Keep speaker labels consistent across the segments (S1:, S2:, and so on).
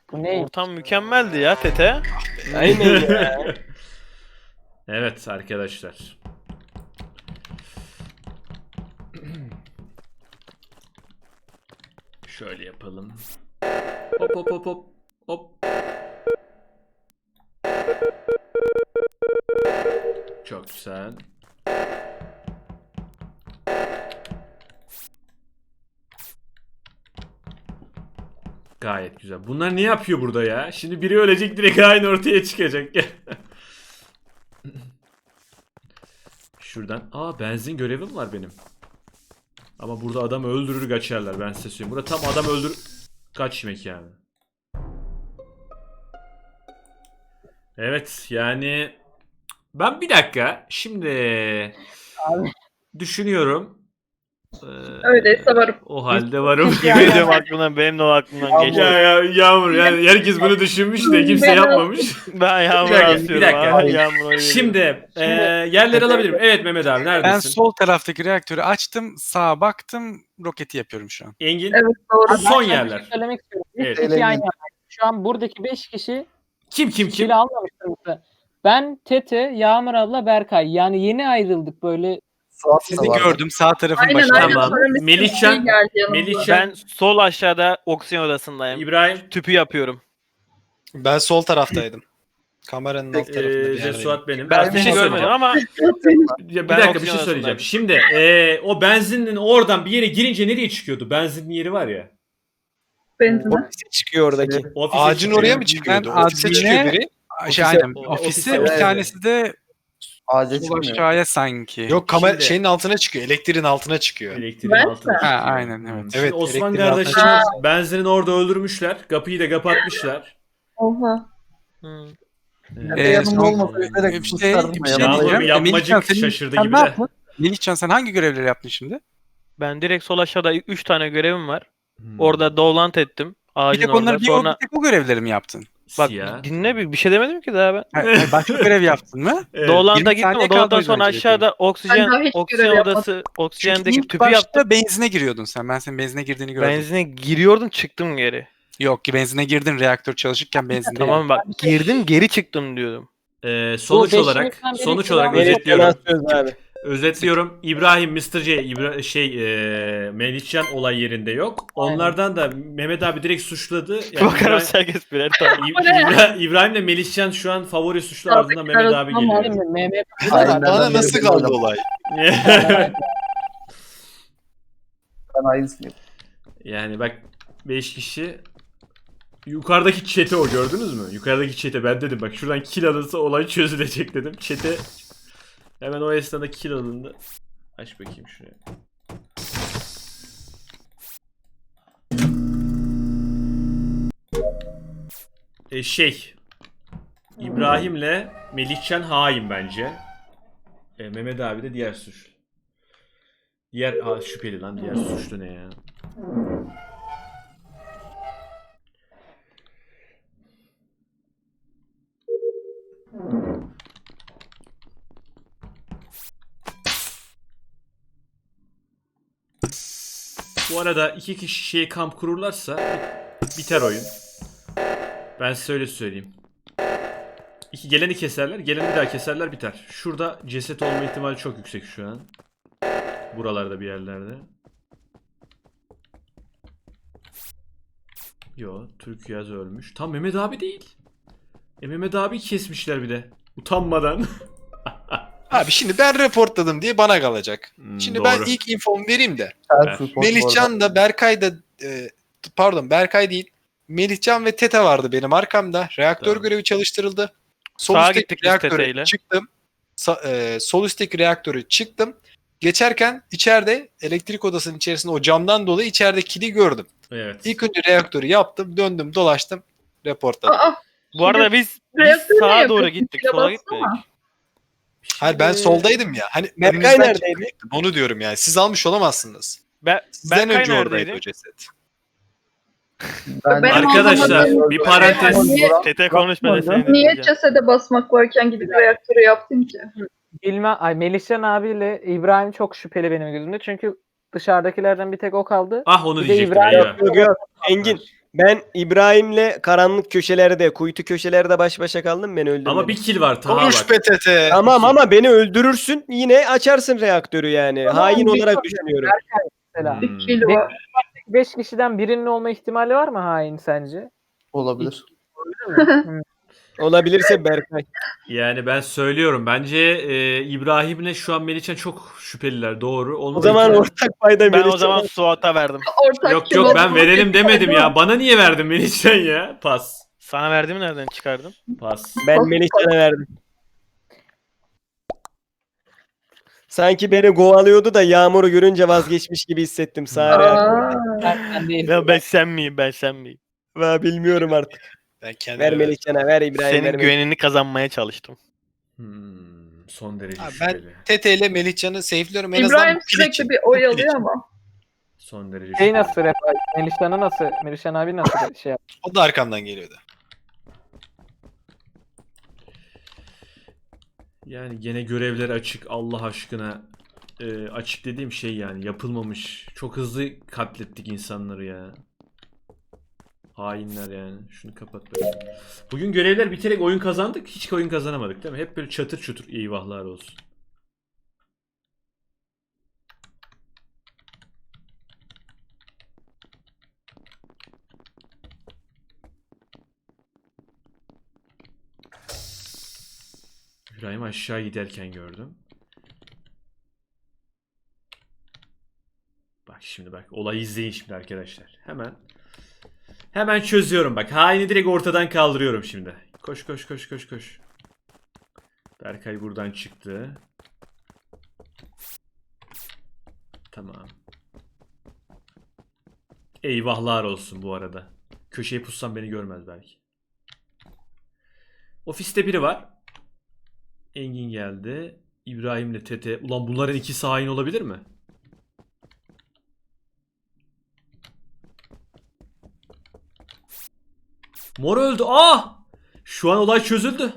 S1: Bu ne?
S2: Ortam mükemmeldi ya Tete.
S1: Aynen ya.
S3: Evet arkadaşlar. Şöyle yapalım. Hop hop hop hop. Hop. Çok güzel. Gayet güzel. Bunlar ne yapıyor burada ya? Şimdi biri ölecek, direkt aynı ortaya çıkacak. Şuradan. Aa, benzin görevim var benim. Ama burada adam öldürür kaçarlar, ben size söyleyeyim. Burada tam adam öldür kaçmak yani. Evet yani ben bir dakika şimdi
S1: Abi.
S3: düşünüyorum.
S4: Öyleyse varım.
S3: O halde varım.
S2: Yemin ediyorum aklımdan, benim de o aklımdan geçti.
S3: Ya Yağmur, yani herkes bunu düşünmüş de kimse yapmamış.
S2: Ben Yağmur'a
S3: Bir dakika,
S2: asıyorum.
S3: bir dakika.
S2: Abi, Yağmur'a veriyorum.
S3: Şimdi yerleri alabilirim. Evet Mehmet abi,
S5: Ben
S3: neredesin?
S5: sol taraftaki reaktörü açtım, sağa baktım, roketi yapıyorum şu an.
S3: Engin.
S4: Evet doğru.
S1: Abi ben
S3: Son
S1: sana bir
S3: yerler.
S1: şey söylemek istiyorum.
S3: Evet.
S1: 3 kişi yan yana. Şu an buradaki 5 kişi
S3: Kim?
S1: kili almamıştır mesela. Ben, Tete, Yağmur abla, Berkay. Yani yeni ayrıldık böyle.
S5: Sizi gördüm sağ tarafın
S4: Aynen
S5: başında.
S4: aynen.
S3: Tamam.
S4: Sonra bir
S3: Melihcan-
S4: şey geldi yanımıza.
S3: Melihcan,
S2: Ben sol aşağıda oksijen odasındayım.
S3: İbrahim,
S2: Tüpü yapıyorum.
S6: Ben sol taraftaydım. Kameranın alt tarafında bir yerdeyim.
S3: Jesuat benim.
S2: Ben
S3: Bir şey
S2: görmedim
S3: söyleyeceğim.
S2: ama
S3: Ya bir
S2: Ben
S3: dakika, bir
S2: oksijen
S3: şey söyleyeceğim.
S2: odasındaydım.
S3: Şimdi o benzinin oradan bir yere girince nereye çıkıyordu? Benzinin yeri var ya.
S4: Benzine.
S6: Ofise çıkıyor oradaki. Ofise
S5: Ağacın
S6: çıkıyor.
S5: oraya mı çıkıyordu?
S6: Ben
S5: Ofise çıkıyor
S6: admine-
S5: biri.
S3: Ofise-
S5: Aynen.
S3: o-
S5: Ofise
S3: ofise-
S5: bir
S3: evet.
S5: tanesi de
S7: Ağaca
S5: sol
S7: çıkmıyor.
S5: aşağıya sanki.
S6: Yok kamera
S3: Şimdi-
S6: şeyin altına çıkıyor. Elektriğin altına çıkıyor.
S3: Elektriğin
S4: Ben
S3: altına
S4: mi?
S3: çıkıyor.
S5: Ha, aynen, evet.
S3: Şimdi
S6: Evet,
S3: Osman
S6: elektriğin altına
S3: kardeşimiz
S4: çıkıyor.
S3: benzinin orada öldürmüşler. Kapıyı da kapatmışlar.
S4: Oha.
S2: Hı.
S7: Yanımda
S5: son-
S7: olmasa üzerek
S5: bir şey
S7: susardım
S5: bir
S7: ya.
S5: şey
S3: Yağmur
S5: diyeceğim.
S3: bir yapmacık
S5: Melihcan,
S3: şaşırdı
S5: sen
S3: gibi
S5: ne
S3: de.
S5: yaptın? Melihcan sen hangi görevleri yaptın şimdi?
S2: Ben direkt sol aşağıda 3 tane görevim var.
S3: Hmm.
S2: Orada dolant ettim.
S5: Bir
S2: Ağacın
S5: tek
S2: orada.
S5: onları bir
S2: Sonra
S5: tek o görevleri mi yaptın?
S2: bak
S3: Siyah.
S2: dinle, bir şey demedim ki daha ben.
S5: Hayır, başka görev yaptın mı?
S3: Evet.
S2: Dolanta
S5: 20
S2: gittim.
S5: saniye
S2: O dolantan
S5: kaldı
S2: sonra
S5: bence
S2: aşağıda
S4: Ben daha hiç
S2: oksijen
S4: görev
S2: odası,
S5: Çünkü
S2: oksijendeki
S5: ilk
S2: tüpü
S5: başta
S2: yaptım.
S5: benzine giriyordun sen. Ben senin benzine girdiğini gördüm.
S2: Benzine giriyordum, çıktım geri.
S5: Yok ki benzine girdin reaktör çalışırken benzinde.
S2: Tamam bak, girdim geri çıktım diyordum.
S3: Sonuç
S1: Bu
S3: olarak
S1: beşinizden biri
S3: sonuç
S1: silahlı
S3: olarak
S1: bir
S3: özetliyorum.
S1: söz abi.
S3: Özetliyorum. İbrahim, Mr. J, Melihcan olay yerinde yok. Onlardan da Mehmet abi direkt suçladı. Yani
S2: Bakarım herkes birer tane.
S3: İbrahim'le Melihcan şu an favori suçlu, ardından Mehmet abi geliyor.
S1: Değil mi? Mehmet
S7: Aynen.
S6: Bana nasıl kaldı olay?
S7: Ben aynısını yapıyorum.
S3: Yani bak, 5 kişi. Yukarıdaki chat'i o, gördünüz mü? Yukarıdaki chat'e ben dedim bak, şuradan kill alınsa olay çözülecek dedim. Chat'e hemen o esnada kill alındı. Aç bakayım şuraya. İbrahim'le Melihcan hain bence. Mehmet abi de diğer suçlu. Şüpheli lan, diğer suçlu ne ya? Bu arada 2 kişi kamp kururlarsa biter oyun. Ben size öyle söyleyeyim. Geleni keserler, geleni bir daha keserler, biter. Şurada ceset olma ihtimali çok yüksek şu an. Buralarda bir yerlerde. Yo, Türk Yaz ölmüş. Tam Mehmet abi değil. Mehmet abi kesmişler bir de. Utanmadan.
S6: Abi şimdi ben reportladım diye bana kalacak. Şimdi ben
S3: doğru.
S6: ilk infomu vereyim de.
S7: Self-report bu arada.
S6: Melihcan da Berkay da pardon Berkay değil. Melihcan ve Tete vardı benim arkamda. Reaktör
S3: Tamam.
S6: görevi çalıştırıldı.
S2: Sağa gittik biz
S6: reaktöre
S2: Tete'yle.
S6: çıktım. Sol üstteki reaktörü çıktım. Geçerken içeride elektrik odasının içerisinde o camdan dolayı içeride kili gördüm.
S3: Evet.
S6: İlk önce reaktörü yaptım, döndüm, dolaştım, reportladım.
S4: Aa,
S2: Bu arada biz
S4: reaktörü ne
S2: sağa doğru
S4: yapıyorsun?
S2: gittik.
S4: Kile
S2: Sola
S4: baksana.
S2: gitmedik.
S6: Hayır ben soldaydım ya. Hani
S5: Berkay
S6: önünüzden
S5: neredeydi?
S6: çıkacaktım, onu diyorum yani. Siz almış olamazsınız. Sizden
S2: Berkay
S6: önce oradaydı
S2: neredeydi?
S6: o ceset.
S7: Ben
S4: Benim
S3: Arkadaşlar
S4: anlamadığım-
S3: bir parantez.
S4: Niye-
S2: Tete konuş, ben de seni
S4: Niye
S2: dinleyeceğim.
S4: cesede basmak varken gidip reaktörü yaptın ki?
S1: Melihcan abiyle İbrahim çok şüpheli benim gözümde. Çünkü dışarıdakilerden bir tek o kaldı.
S3: Ah, onu
S1: Bir de
S3: diyecektim
S1: İbrahim
S3: eyvah.
S8: Yok yok Engin. Ben İbrahim'le karanlık köşelerde, kuytu köşelerde baş başa kaldım, beni öldürmedin.
S3: Ama bir kill var Taha
S6: Konuş
S3: bak.
S6: PTT.
S8: Tamam ama beni öldürürsün, yine açarsın reaktörü yani.
S1: Tamam,
S8: Hain
S1: bir
S8: olarak
S1: şey-
S8: düşünüyorum.
S1: Mesela.
S4: Bir kill var.
S1: 5 kişiden birinin olma ihtimali var mı hain sence?
S7: Olabilir.
S8: Olabilirse Berkay.
S3: Yani ben söylüyorum. Bence İbrahim'le şu an Melihcan çok şüpheliler. Doğru.
S8: O zaman ortak payda
S2: Ben
S8: Melihcan.
S2: o zaman Suat'a verdim.
S4: Ortak
S3: Yok
S4: kill
S3: yok ben
S4: oldu.
S3: verelim demedim ya. Bana niye verdin Melihcan ya? Pas.
S2: Sana verdiğimi nereden çıkardın?
S3: Pas.
S8: Ben Melihcan'a verdim. Sanki beni kovalıyordu da Yağmur'u görünce vazgeçmiş gibi hissettim. Sağ reaktör.
S1: Ben değil.
S2: Ya ben sen miyim? Ben sen miyim?
S8: Bilmiyorum artık.
S6: Ben kendime
S8: Ver
S6: verdim.
S8: Melihcan'a, ver İbrahim. ver
S2: Senin
S8: Melihcan'a.
S2: güvenini kazanmaya çalıştım.
S3: Son derece
S6: Abi ben
S3: şüpheli.
S6: TT ile Melihcan'ı safe'liyorum en azından.
S4: İbrahim
S6: bu kill
S4: sürekli
S6: için.
S4: bir
S6: Bu
S4: oy
S6: kill
S4: alıyor
S6: için.
S4: ama.
S3: Son derece
S1: Şey
S3: şüpheli.
S1: nasıl rap? Melihcan'ı nasıl? Melihcan abi nasıl şey yaptı?
S6: O da arkamdan geliyordu.
S3: Yani gene görevler açık Allah aşkına. Açık dediğim şey yani yapılmamış. Çok hızlı katlettik insanları ya. Hainler yani. Şunu kapat böyle. Bugün görevler biterek oyun kazandık. Hiç oyun kazanamadık değil mi? Hep böyle çatır çutur eyvahlar olsun. İbrahim aşağı giderken gördüm. Bak şimdi bak. Olayı izleyin şimdi arkadaşlar. Hemen çözüyorum bak. Haini direkt ortadan kaldırıyorum şimdi. Koş koş koş koş koş. Berkay buradan çıktı. Tamam. Eyvahlar olsun bu arada. Köşeye pussam beni görmez belki. Ofiste biri var. Engin geldi. İbrahim'le Tete. Ulan bunların ikisi hain olabilir mi? Mor öldü. Ah! Şu an olay çözüldü.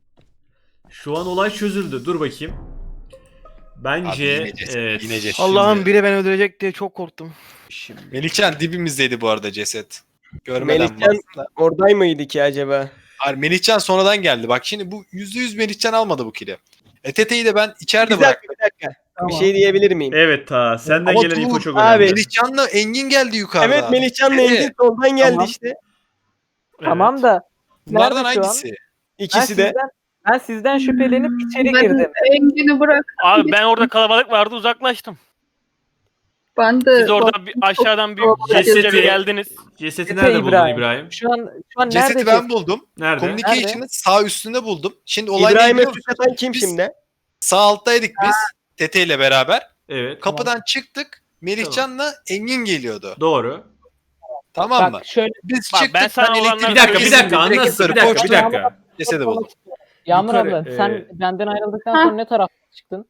S3: Dur bakayım. Bence
S6: Abi yine ceset,
S3: evet.
S6: yine ceset.
S2: Allah'ım biri beni öldürecek diye çok korktum.
S3: Şimdi
S6: Melihcan dibimizdeydi bu arada ceset. Görmeden
S8: Melihcan
S6: baktım da.
S8: oradayım mıydı ki acaba?
S6: Hayır, Melihcan sonradan geldi. Bak şimdi bu %100 Melihcan almadı bu kill'i. TT'yi de ben içeride
S8: Bir dakika,
S6: bıraktım.
S8: bir dakika. Bir şey diyebilir miyim?
S3: evet ta senden
S6: Ama
S3: gelen
S6: dur,
S3: info çok
S8: abi,
S3: önemli.
S6: Melihcan'la Engin geldi yukarıda.
S8: Evet, Melihcan'la
S6: Evet.
S8: Engin soldan geldi
S1: Tamam.
S8: işte.
S1: Tamam da
S6: Bunlardan
S1: nerede şu an?
S6: hangisi?
S8: İkisi de.
S1: Ben sizden şüphelenip içeri
S4: Ben
S1: girdim.
S4: Engin'i bırak.
S2: Abi ben orada kalabalık vardı, uzaklaştım.
S4: Ben de
S2: Siz orada bir, aşağıdan bir
S3: Cesedi-
S2: cesedi bir geldiniz.
S3: Cesedi
S1: Tete
S3: nerede buldun
S1: İbrahim.
S3: İbrahim?
S1: Şu an nerede?
S6: Cesedi ben buldum.
S3: Nerede?
S6: Communication'ın sağ üstünde buldum. Şimdi olay ne
S8: İbrahim'e
S6: biliyor
S8: suç
S6: musun?
S8: atan kim
S6: Biz
S8: şimdi?
S6: Sağ alttaydık biz TT ile beraber.
S3: Evet.
S6: Kapıdan çıktık. Melihcan'la Engin geliyordu.
S3: Doğru.
S6: Tamam mı?
S1: Bak şöyle
S6: Biz
S2: Bak,
S6: çıktık.
S2: ben sana
S6: elektrik-
S2: olanları
S3: Bir dakika
S2: Direkt
S3: anlasın. Bir
S6: koştum.
S3: dakika.
S6: Cesedi buldum.
S1: Yağmur
S3: Yukarı,
S1: abla sen benden ayrıldıktan sonra ne tarafa çıktın?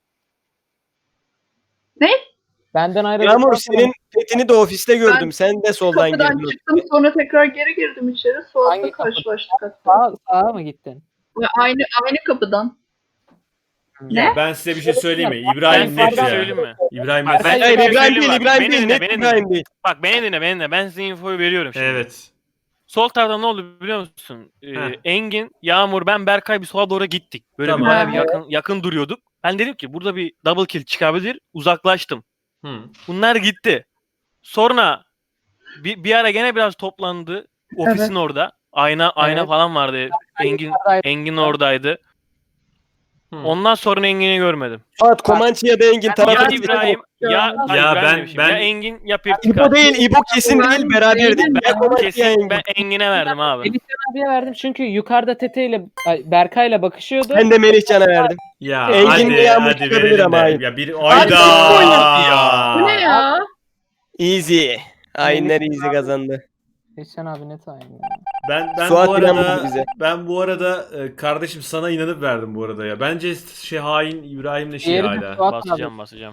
S4: Ne?
S1: Benden ayrıldıktan
S8: Yağmur
S1: sonra
S8: senin petini de ofiste gördüm. Sen de soldan
S4: Kapıdan
S8: girdin.
S4: çıktım sonra tekrar geri girdim içeri. Suat'la
S1: Hangi kapı?
S4: karşılaştık hatta.
S1: sağa mı gittin?
S4: Ve aynı kapıdan.
S3: Ya ben size bir şey söyleyeyim mi? İbrahim
S2: Ben
S3: net
S2: sana
S3: ya.
S2: söyleyeyim mi?
S3: İbrahim
S2: Bak,
S3: net.
S2: ben-
S8: Hayır,
S2: Beni
S8: İbrahim
S2: dinle,
S8: değil, İbrahim
S2: beni
S8: değil,
S2: dinle,
S8: net
S2: beni
S8: İbrahim değil.
S2: Bak beni dinle. Ben size infoyu veriyorum şimdi.
S3: Evet.
S2: Sol tarafta ne oldu biliyor musun?
S3: Heh.
S2: Engin, Yağmur, ben, Berkay bir sola doğru gittik. Böyle
S3: Tamam.
S2: bir bayağı bir yakın duruyorduk. Ben dedim ki burada bir double kill çıkabilir. Uzaklaştım.
S3: Hı.
S2: Bunlar gitti. Sonra bir ara gene biraz toplandı. Ofisin orada. Ayna
S1: Evet.
S2: falan vardı. Engin oradaydı.
S3: Hı.
S2: Ondan sonra Engin'i görmedim.
S8: Fuat Komançı ya da Engin
S2: Ya
S8: tarafı.
S2: İbrahim ya
S3: ben-
S2: ya Engin ya Pirtika.
S8: İbo değil, İbo kesin değil, beraberdi. Ya Komançı ya
S2: Kesin
S8: Engin.
S2: ben Engin'e verdim abi.
S1: Melihcan abiye verdim çünkü yukarıda Tete ile Berkay'la bakışıyordu.
S8: Ben de Melihcan'a verdim.
S3: Ya
S8: Engin de Yağmur çıkabilir
S3: verelim
S8: ama
S3: de.
S8: hayır.
S3: Ya bir
S8: Hadi
S3: ayda.
S8: kim oynadı ya?
S4: Bu ne ya?
S8: Easy. Hainler easy kazandı.
S1: Melihcan abi net aynı.
S3: Ben
S8: Suat
S3: bu
S8: inanmadı
S3: arada
S8: bize.
S3: kardeşim sana inanıp verdim bu arada ya. Bence hain İbrahim'le
S1: Diğeri de
S3: hala.
S1: Suat abi.
S2: Basacağım.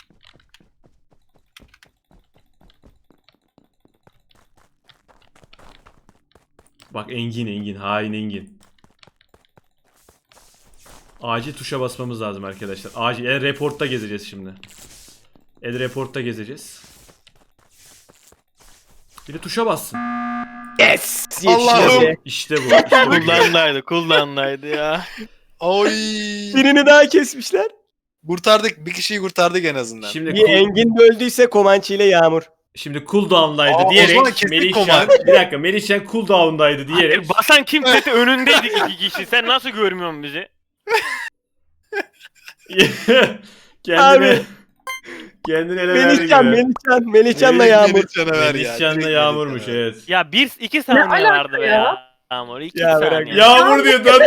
S3: Bak Engin hain Engin. Acil tuşa basmamız lazım arkadaşlar. Acil reportta gezeceğiz şimdi. Reportta gezeceğiz. Bir de tuşa bassın.
S8: Yes!
S6: Allah'ım.
S3: İşte bu. İşte bu.
S2: Kullandaydı ya.
S6: Oy.
S8: Birini daha kesmişler.
S6: Kurtardık. Bir kişiyi kurtardık en azından.
S3: Şimdi
S8: Bir Engin de öldüyse Komançı ile Yağmur.
S3: Şimdi cooldown'daydı
S6: Aa, o zaman
S3: diyerek
S6: kesin
S3: Melihcan
S6: Koman.
S3: bir dakika Melihcan cooldown'daydı diyerek
S2: Hayır, basan kim Tete önündeydik 2 kişi. Sen nasıl görmüyorsun bizi?
S3: kendine kendine ele verdi gibi.
S8: Melihcan'la Yağmur.
S6: Melihcan'a ver ya.
S3: Melihcan'la
S6: Direkt
S3: Yağmur'muş
S6: Melihcan'a ver.
S3: evet.
S2: Ya 2 saniye
S4: alaka
S2: vardı be
S4: ya?
S2: ya. Yağmur 2
S8: Ya bırak
S2: saniye.
S3: Yağmur diyor da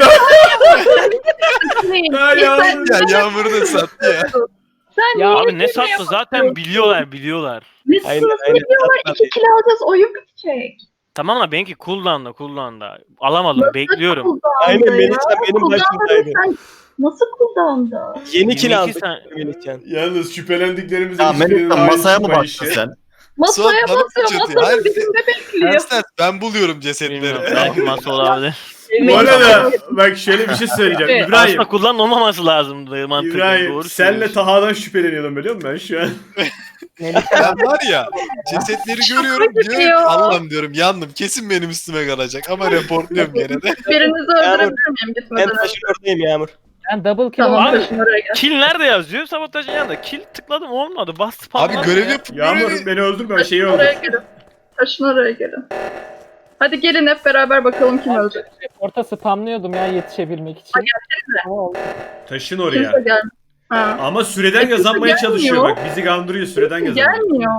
S3: Ha, Yağmur.
S6: Ya Yağmur'u da sattı ya.
S4: Sen
S2: Ya
S4: niye
S2: abi ne
S4: böyle
S2: sattı
S4: yapıyorsun?
S2: zaten biliyorlar.
S4: Ne
S8: Aynen,
S4: sırası
S8: aynen.
S4: biliyorlar? 2 kill alacağız. Oyun bitecek.
S2: Tamam da benimki cooldown'da. Alamadım bekliyorum.
S4: Cooldown'da
S8: Aynen,
S4: ya.
S8: Melihcan benim
S4: Cooldown'da
S8: başımdaydı.
S4: sen Nasıl cooldown'da?
S8: Yeni kill
S2: 22
S8: aldık
S2: saniye.
S8: Melihcan.
S3: Yalnız şüphelendiklerimizin
S7: Ya
S3: hiçbirinin
S7: Melihcan masaya mı
S3: ayrışmayışı.
S7: baktın sen?
S4: Masaya
S6: bana
S4: basıyor.
S6: sıçratıyor.
S4: Masanın
S6: Hayır,
S4: dibinde bekliyor.
S6: Ters ben buluyorum
S2: Bilmiyorum.
S6: cesetleri.
S2: Belki masa olabilir.
S3: Bu arada bak şöyle bir şey söyleyeceğim.
S1: Evet,
S3: İbrahim.
S2: Aslında olmaması lazımdı mantıklı.
S3: İbrahim
S2: Doğru
S3: senle
S2: söylüyorsun.
S3: Taha'dan şüpheleniyordum biliyor musun ben şu an?
S6: Ben var ya cesetleri görüyorum
S4: gibi
S6: diyorum ki
S4: ya.
S6: Allah'ım diyorum yandım kesin benim üstüme kalacak ama reportluyorum gene de.
S4: Birinizi öldürebilir miyim
S8: Ben
S4: gitmeden önce?
S8: taşın oradayım Yağmur.
S1: Ben double kill
S4: Tamam
S1: oldum.
S4: taşın oraya gel.
S2: Kill nerede yazıyor? Sabotajın yanında. Kill tıkladım olmadı. Bastı
S6: Abi
S2: patladı
S6: görev
S2: ya.
S6: yapıp
S3: Yağmur
S6: görevi.
S3: beni öldürme şeyi
S4: Taşın
S3: öldür.
S4: oraya gelin. Taşın oraya gelin. Hadi gelin hep beraber bakalım kim ölecek.
S1: Orta spamlıyordum ya yetişebilmek için. Ama oldu.
S3: Taşın
S4: Kimse
S3: oraya.
S4: gelmiyor. Ha.
S3: Ama süreden
S4: Kimse
S3: kazanmaya çalışıyor
S4: gelmiyor.
S3: bak. Bizi kandırıyor süreden
S4: Kimse
S3: kazanıyor.
S4: gelmiyor.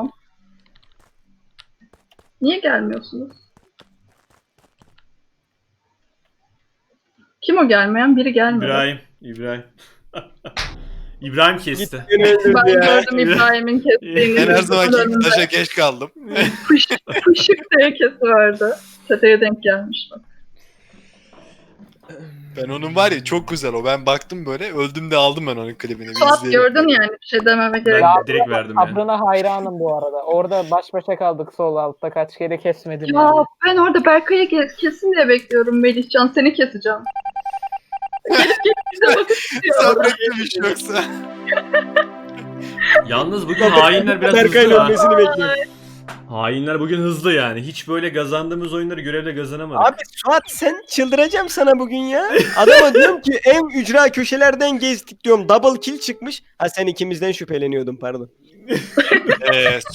S4: Niye gelmiyorsunuz? Kim o gelmeyen? Biri gelmiyor.
S3: İbrahim. İbrahim kesti.
S8: Beni öldürdü
S4: Ben
S8: ya.
S4: gördüm İbrahim'in kestiğini.
S6: Ben her zamanki
S4: Gözümün
S6: gibi
S4: önünde.
S6: taşa geç kaldım.
S4: Pışık diye kesiverdi. Çeteye denk gelmiş bak.
S6: Ben onun var ya çok güzel o. Ben baktım böyle öldüm de aldım ben onun klibini. Bir
S4: Suat
S6: izleyelim.
S4: gördün yani bir şey dememe gerek
S3: Ben
S4: yok.
S3: direkt verdim ya.
S1: Sabrına hayranım bu arada. Orada baş başa kaldık sol altta. Kaç kere kesmedim.
S4: Ya
S1: yani.
S4: ben orada Berkay'ı kesin diye bekliyorum Melihcan. Seni keseceğim. Gelip bize bakıp gidiyor.
S6: Sabretmemiş yoksa.
S3: Yalnız bugün hainler biraz hızlı
S8: Berkay'ın
S3: ha.
S8: ölmesini bekliyorum.
S3: Hainler bugün hızlı yani. Hiç böyle kazandığımız oyunları görevle kazanamadık.
S8: Abi Suat sen çıldıracağım sana bugün ya. Adama diyorum ki en ücra köşelerden gezdik diyorum. Double kill çıkmış. Ha sen ikimizden şüpheleniyordun pardon.